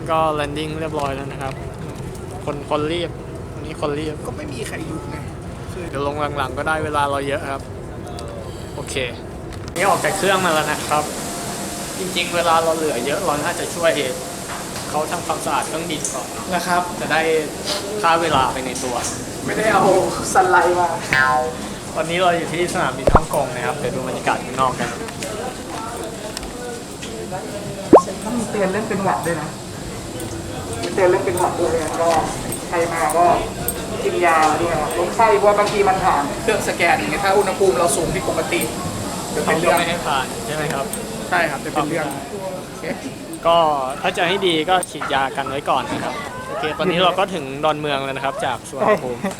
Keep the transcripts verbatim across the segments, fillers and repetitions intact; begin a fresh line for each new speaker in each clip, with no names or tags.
ก็แลนดิ้งเรียบร้อยแล้วนะครับคนคนรีบวันนี้คนรีบ
ก็ไม่มีใครอยู่ไง
เดี๋ยวลงหลังๆก็ได้เวลาเราเยอะครับโอเคนี่ออกจากเครื่องมาแล้วนะครับจริงๆเวลาเราเหลือเยอะเราน่าจะช่วยเขาทำความสะอาดเครื่องบินก่อน
นะครับ
จะได้ค่าเวลาไปในตัว
ไม่ได้เอาสไลด์มา
วันนี้เราอยู่ที่สนามบินฮ่องกงนะครับเดี๋ยวดูบรรยากาศข้างนอกกัน
ต้องมีเตือนเรื่องเป็นหวัดด้วยนะมีเตือนเรื่องเป็นหวัดด้วยก็ใครมาก็กินยาด้วยลดไข้เพราะบางทีมันผ่านเครื่องสแกนอย่างเงี้ยถ้าอุณหภูมิเราสูงผิดปกติจะเป็นเรื่อง
ไม่ให้ผ่านใช่ไหมครับ
ใช่ครับจะเป็นเรื่อง
ก็ถ้าจะให้ดีก็ฉีดยากันไว้ก่อนนะครับโอเคตอนนี้เราก็ถึงดอนเมืองแล้วนะครับจากสุวรรณภูมิ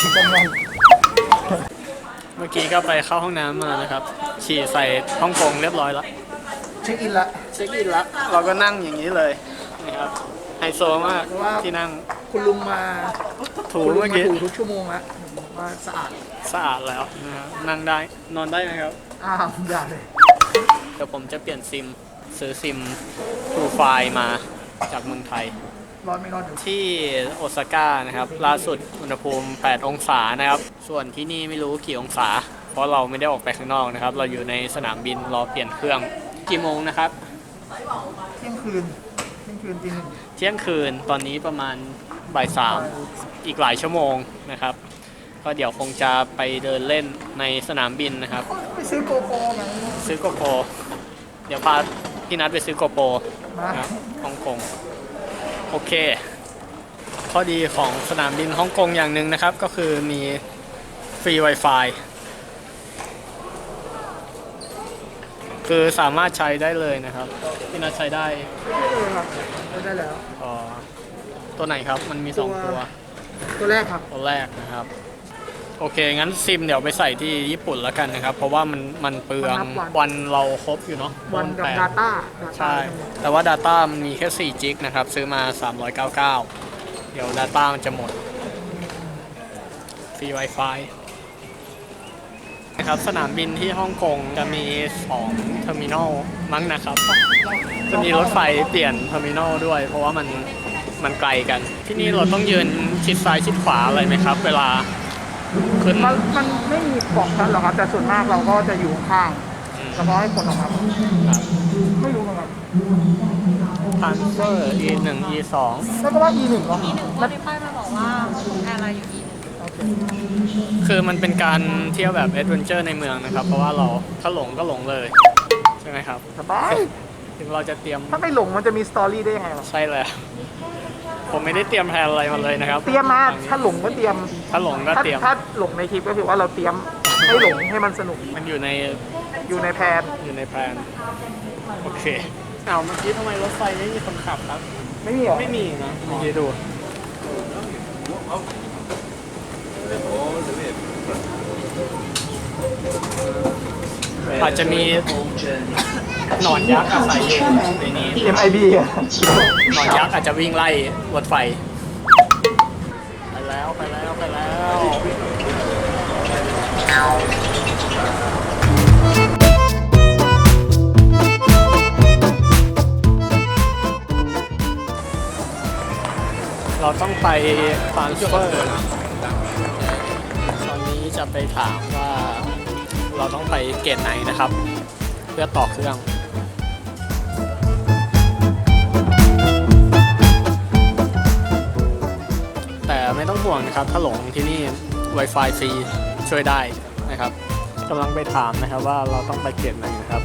เมื่อกี้ก็ไปเข้าห้องน้ำมานะครับฉี่ใส่ฮ่องกงเรียบร้อยแล้ว
เช็คอินละ
เช็คอินแล้วเราก็นั่งอย่างนี้เลยนะครับไฮโซมากที่นั่ง
คุณลุงมา
ถูเมื่อกี้
ถูทุกชั่วโมงแล้วว่าสะอาด
สะอาดแล้วนะครับนั่งได้นอนได้ไหมครับ
อ้าวได้เลย
เดี๋ยวผมจะเปลี่ยนซิมซื้อซิมทูไฟมาจากเมืองไทย
ร้อนไม่ร้อน
ที่โอซาก้านะครับล่าสุดอุณหภูมิแปดองศานะครับส่วนที่นี่ไม่รู้กี่องศาเพราะเราไม่ได้ออกไปข้างนอกนะครับเราอยู่ในสนามบินรอเปลี่ยนเครื่องกี่โมงนะครับ
เที่ยงคืนเที่ยงคืนตีหนึ่ง
เที่ยงคืนตอนนี้ประมาณบ่ายสามอีกหลายชั่วโมงนะครับก็เดี๋ยวคงจะไปเดินเล่นในสนามบินนะครับ
ไปซื้อโกโปรไหม
ซื้อโกโปรเดี๋ยวพาพี่นัทไปซื้อโกโปรนะครับฮ่องกงโอเคข้อดีของสนามบินฮ่องกงอย่างหนึ่งนะครับก็คือมีฟรี Wi-Fi คือสามารถใช้ได้เลยนะครับพี่นัทใช้ได้
ได้เลยครับได้แล้ว
อ๋อตัวไหนครับมันมีสองตัว
ตัวแรกครับ
ตัวแรกนะครับโอเคงั้นซิมเดี๋ยวไปใส่ที่ญี่ปุ่นแล้วกันนะครับเพราะว่ามันมันเปลืองวันเราครบอยู่เนาะ
วันกับ Data
ใช่แต่ว่า Data มันมีแค่สี่จิกนะครับซื้อมาสามร้อยเก้าสิบเก้าเดี๋ยว Data มันจะหมดฟรี Wi-Fi นะครับสนามบินที่ฮ่องกงจะมีสองเทอร์มินอลมั้งนะครับจะมีรถไฟเปลี่ยนเทอร์มินอลด้วยเพราะว่ามันมันไกลกันที่นี่เราต้องยืนชิดซ้ายชิดขวาอะไรไหมครับเวลาขึ้น
มันมันไม่มีของชั้นหรอกครับแต่ส่วนมากเราก็จะอยู่ข้างเฉพาะให้คนออกมาไม่รู้เหมือนกัน
ทันเซอร์ อี หนึ่ง อี สอง
แล้วก็ว่า อี หนึ่ง ก็
อี หนึ่งแล้วที่ป้ายมาบอกว่าแอร์ไลน์อยู่ อี
คือมันเป็นการเที่ยวแบบแอดเวนเจอร์ในเมืองนะครับเพราะว่าเราถ้าหลงก็หลงเลยใช่ไหมครับ
สบาย
ถึงเราจะเตรียม
ถ้าไม่หลงมันจะมีสตอรี่ได้ยังไง
ใช่แล้วผมไม่ได้เตรียมแผนอะไรมาเลยนะครับ
เตรียมมาถ้าหลงก็เตรียม
ถ้าหลงก็เตรียม
ถ้าหลงในคลิปก็คือว่าเราเตรียมให้หลงให้มันสนุก
มันอยู่ใน
อยู่ในแผน
อยู่ในแผนโอเคเอาเมื่อกี้ทำไมรถไฟไม่มีคนขับครับ
ไม่มีหรอ
ไม่มีนะเมื่อกี้ดูอาจจะมีหนอนยักษ์อาศัยอยู่ในนี้
เอ็ม ไอ บี อ่ะ
หนอนยักษ์อาจจะวิ่งไล่รถไฟไปแล้วไปแล้วไปแล้วเราต้องไปทรานสเฟอร์ตอนนี้จะไปถามว่าเราต้องไปเกตไหนนะครับเพื่อต่อเครื่องแต่ไม่ต้องห่วงนะครับถ้าหลงที่นี่ Wi-Fi ฟรีช่วยได้นะครับกำลังไปถามนะครับว่าเราต้องไปเกตไหนนะครับ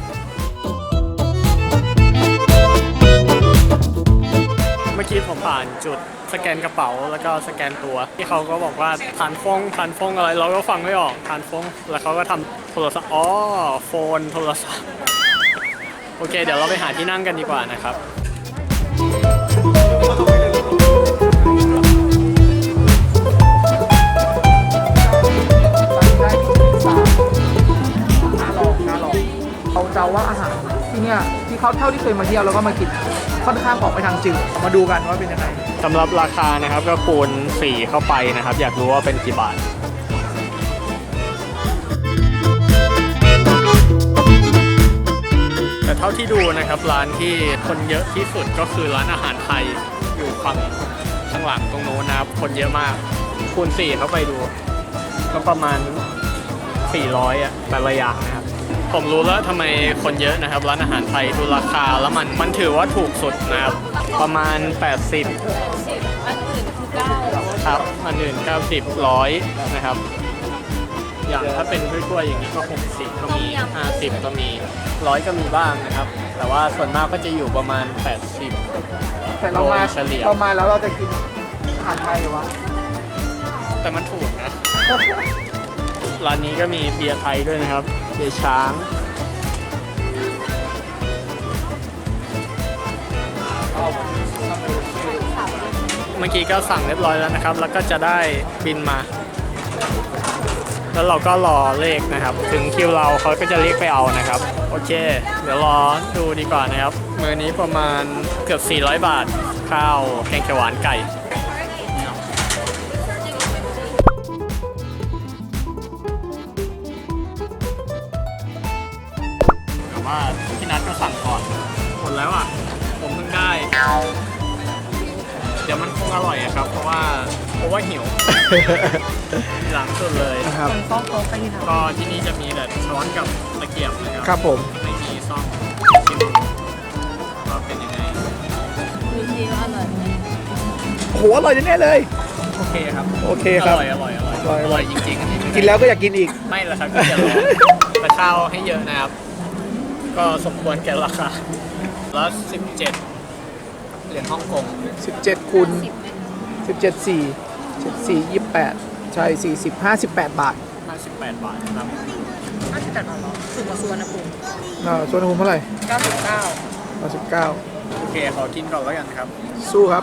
เมื่อกี้ผมผ่านจุดสแกนกระเป๋าแล้วก็สแกนตัวที่เขาก็บอกว่าผ่านฟงผ่านฟงอะไรเราก็ฟังไม่ออกผ่านฟงแล้วเขาก็ทำโทรศัพท์อ๋อโฟนโทรศัพท์โอเคเดี๋ยวเราไปหาที่นั่งกันดีกว่านะครับ
เราจะว่าอาหารที่เนี่ยที่เขาเท่าที่เคยมาเที่ยวแล้วก็มากินค่อนข้างออกไปทางจืดมาดูกันว่าเป็นยังไง
สำหรับราคานะครับก็คูณสี่เข้าไปนะครับอยากรู้ว่าเป็นกี่บาทแต่เท่าที่ดูนะครับร้านที่คนเยอะที่สุดก็คือร้านอาหารไทยอยู่ขหลังตรงโน้นนะครับคนเยอะมากคูณสี่เข้าไปดูก็ประมาณสี่ร้อยอ่ะแต่ละอย่างนะครับผมรู้แล้วทำไมคนเยอะนะครับร้านอาหารไทยดูราคาแล้วมันมันถือว่าถูกสุดนะครับประมาณแปดสิบ
สิบอันอื่นคือเก้า
ครับอันอื่นเก้าสิบ ร้อยนะครับอย่างถ้าเป็นกล้วยๆอย่างนี้ก็หกสิบก็มีห้าสิบก็มีร้อยก็มีบ้างนะครับแต่ว่าส่วนมากก็จะอยู่ประมาณแปดสิบ
แต่เรามา
โดยเฉลี่ย
เรามาแล้วเราจะกินอาหารไทยวะ
แต่มันถูกนะ ร้านนี้ก็มีเบียร์ไทยด้วยนะครับเบียร์ช้าง เมื่อกี้ก็สั่งเรียบร้อยแล้วนะครับ แล้วก็จะได้บินมา แล้วเราก็รอเลขนะครับ ถึงคิวเราเขาก็จะเรียกไปเอานะครับ โอเค เดี๋ยวรอดูดีกว่านะครับ มื้อนี้ประมาณเกือบสี่ร้อยบาท ข้าวแกงเขียวหวานไก่ แต่ว่าพี่นัทก็สั่งก่อนหมดแล้วอ่ะ ผมเพิ่งได้ เดี๋ยวมันคงอร่อยอะครับ เพราะว่าเพราะว่าหิว หลังสุดเลย
นะครับ
มันต้องโต๊ะไปที่ไหน
ก็ที่นี่จะมีแต่ช้อนกับตะเกียบนะค
ครั
รับ
ผม
ไม่มีซ่อมชิมว่าเป็นยังไง
ดูทีว่าอร่อยไหม
โหอร่อยแน่ๆเลย
โอเคครับ
โอเคครับ
อร่อยอร่อยอร่อย
อร่อย
อร่อยจริงๆอันนี้ไม่ได้
กินแล้วก็อยากกินอีก
ไม่ละครับก็จะรอแต่ข้าวให้เยอะนะครับ ก็สมควรแก่ราคาแล้วสิบเจ็ดเหรียญฮ่องกง
สิบเจ็ดคูณ
สิบไหม
สิบเจ็ด สี่ เจ็ด สี่ ยี่สิบแปดใช่สี่สิบ ห้าสิบแปดบาท
ห้าสิบแปดบาทนะครับ
ห้าสิบแปดบาทเหรอถูกกว่าสุวรรณภูมิ
อ่าส่วนภูมิเท่าไหร่
เก้าสิบเก้า
เก้าสิบเก้า
โอเคขอกินก่อนแล้วกันครับ
สู้ครับ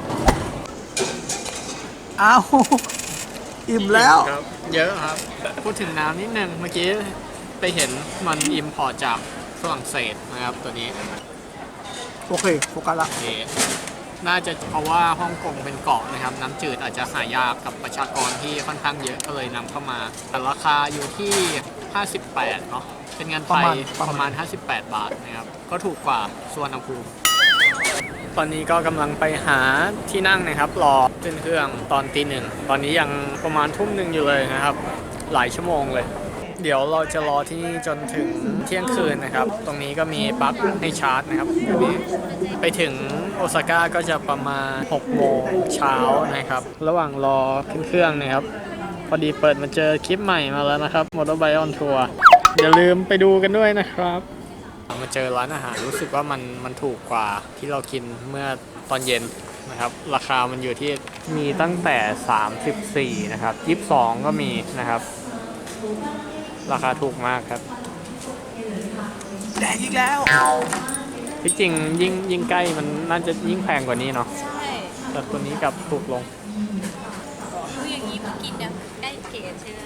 อ้าว อิ่มแล้ว
ครับ เยอะครับ พูดถึงน้ำนิดนึงเมื่อกี้ไปเห็นมันอิมพอร์ตจากฝรั่งเศสนะครับตัวนี้
โอเคโฟกัสละ
โอเคน่าจะเพราะว่าฮ่องกงเป็นเกาะนะครับ น้ำจืดอาจจะหายากกับประชากรที่ค่อนข้างเยอะก็เลยนำเข้ามา แต่ราคาอยู่ที่ ห้าสิบแปดเนาะเป็นเงินไทยประมาณ ห้าสิบแปด บาทนะครับ ก็ถูกกว่าสุวรรณภูมิ ตอนนี้ก็กำลังไปหาที่นั่งนะครับ รอขึ้นเครื่องตอนตีหนึ่ง ตอนนี้ยังประมาณทุ่มหนึ่งอยู่เลยนะครับ หลายชั่วโมงเลย เดี๋ยวเราจะรอที่นี่จนถึงเที่ยงคืนนะครับ ตรงนี้ก็มีปลั๊กให้ชาร์จนะครับแบบนี้ไปถึงโอซาก้าก็จะประมาณหกโมงเช้านะครับ ระหว่างรอขึ้นเครื่องนะครับ พอดีเปิดมาเจอคลิปใหม่มาแล้วนะครับ Motorbike on Tour อย่าลืมไปดูกันด้วยนะครับ มาเจอร้านอาหารรู้สึกว่ามันมันถูกกว่าที่เรากินเมื่อตอนเย็นนะครับ ราคามันอยู่ที่มีตั้งแต่สามสิบสี่นะครับยี่สิบสองก็มีนะครับ ราคาถูกมากครับ
แดงอีกแล้ว
ที่จริงยิ่งยิ่งใกล้มันน่าจะยิ่งแพงกว่านี้เนาะ
ใช่
แต่ตัวนี้กลับถูกลง
ดูอย่างนี้เมื่อกินเนี่ยใกล้เกศใช่ไหม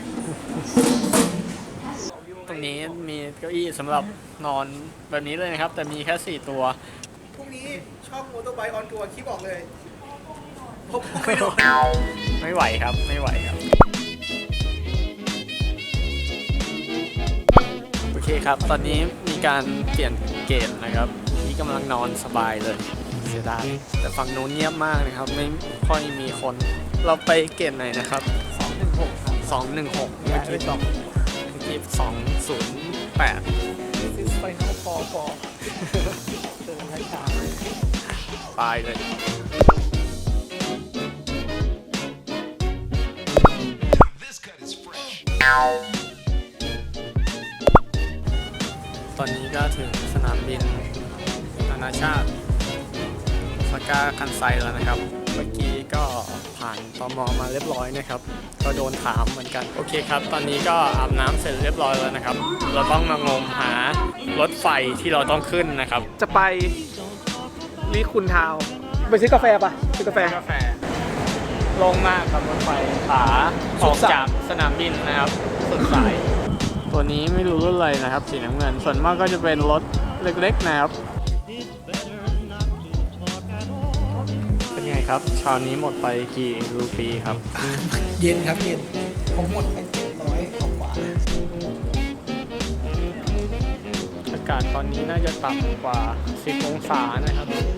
ตรงนี้มีเก้าอี้สำหรับนอนแบบนี้เลยนะครับ แต่มีแค่สี่ตัว
พรุ่งนี้ช่อง Motorbike on Tour คิดบอกเลยพบไม่โดน
ไม่ไหวครับไม่ไหวครับ โอเคครับ ตอนนี้มีการเปลี่ยนเกณฑ์นะครับนี่กำลังนอนสบายเลยเสียดายแต่ฝั่งนู้นเงียบมากนะครับ ไม่ค่อยมีคน เราไปเกณฑ์ไหนนะครับ
สองหนึ่งหก
สองหนึ่งหกเมื่อกี้สองเมื่อกี้สองศูนย์แปด
ซิสไฟนอลฟอร์ฟอร์เจอให้ตาม
ตายเลย ตอนนี้ก็ถึงสนามบินนานาชาติสกาคันไซแล้วนะครับ เมื่อกี้ก็ผ่านตม.มาเรียบร้อยนะครับ ก็โดนถามเหมือนกัน โอเคครับ ตอนนี้ก็อาบน้ำเสร็จเรียบร้อยแล้วนะครับ เราต้องมางมหารถไฟที่เราต้องขึ้นนะครับ
จะไปลีคุณทาวน์ไปซื้อกาแฟปะซื้อกาแฟ
กาแฟโล่งมากครับรถไฟขาออกจากสนามบินนะครับสุดสาย ตัวนี้ไม่รู้รุ่นอะไรนะครับ สีน้ำเงิน ส่วนมากก็จะเป็นรถเล็กๆนะครับ เป็นไงครับเช้านี้หมดไปกี่รูปีครับ
เย็นครับเย็นผมหมดไปเจ็ดร้อยกว่า
อากาศตอนนี้น่าจะต่ำกว่าสิบองศานะครับ